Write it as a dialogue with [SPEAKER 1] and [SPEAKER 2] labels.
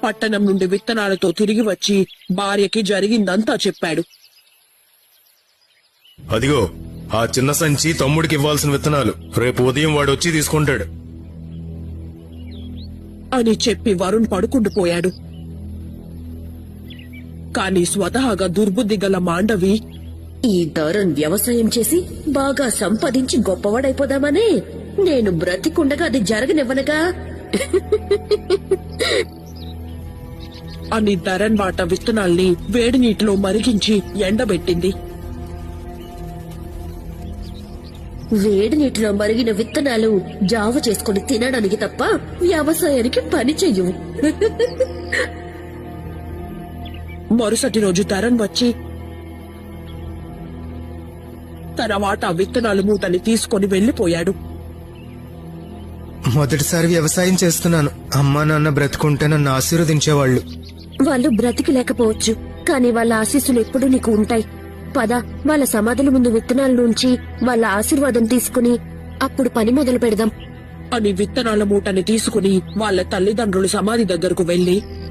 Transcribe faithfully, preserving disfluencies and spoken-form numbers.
[SPEAKER 1] పట్టణం నుండి విత్తనాలతో తిరిగి వచ్చి భార్యకి జరిగిందంతా చెప్పాడు.
[SPEAKER 2] అదిగో ఆ చిన్న సంచి తమ్ముడికి ఇవ్వాల్సిన విత్తనాలు, రేపు ఉదయం వాడు వచ్చి తీసుకుంటాడు
[SPEAKER 1] అని చెప్పి వరుణ్ పడుకుండిపోయాడు. కాని స్వతహాగా దుర్బుద్ధి గల మాండవి,
[SPEAKER 3] ఈ తరుణ్ వ్యవసాయం చేసి బాగా సంపాదించి గొప్పవాడైపోదామనే నేను బ్రతికుండగా అది జరగనివ్వనగా
[SPEAKER 1] అని ధరణ్ వాట విత్తనాల్ని వేడి నీటిలో మరిగించి ఎండబెట్టింది.
[SPEAKER 3] వేడి నీటిలో మరిగిన విత్తనాలు జావ చేసుకుని తినడానికి తప్ప వ్యవసాయానికి పని చెయ్యవు.
[SPEAKER 1] మరుసటి రోజు ధరణ్ వచ్చి తన వాటా విత్తనాలు మూటని తీసుకుని వెళ్లిపోయాడు.
[SPEAKER 4] మొదటిసారి వ్యవసాయం చేస్తున్నాను. అమ్మా నాన్న బ్రతుకుంటే నన్ను ఆశీర్వదించేవాళ్లు.
[SPEAKER 3] వాళ్ళు బ్రతికి లేకపోవచ్చు, కానీ వాళ్ళ ఆశీస్సులు ఎప్పుడూ నీకు ఉంటాయి. పద, వాళ్ళ సమాధుల ముందు విత్తనాల నుంచి వాళ్ళ ఆశీర్వాదం తీసుకుని అప్పుడు పని మొదలు పెడదాం
[SPEAKER 1] అని విత్తనాల మూటని తీసుకుని వాళ్ళ తల్లిదండ్రులు సమాధి దగ్గరకు వెళ్లి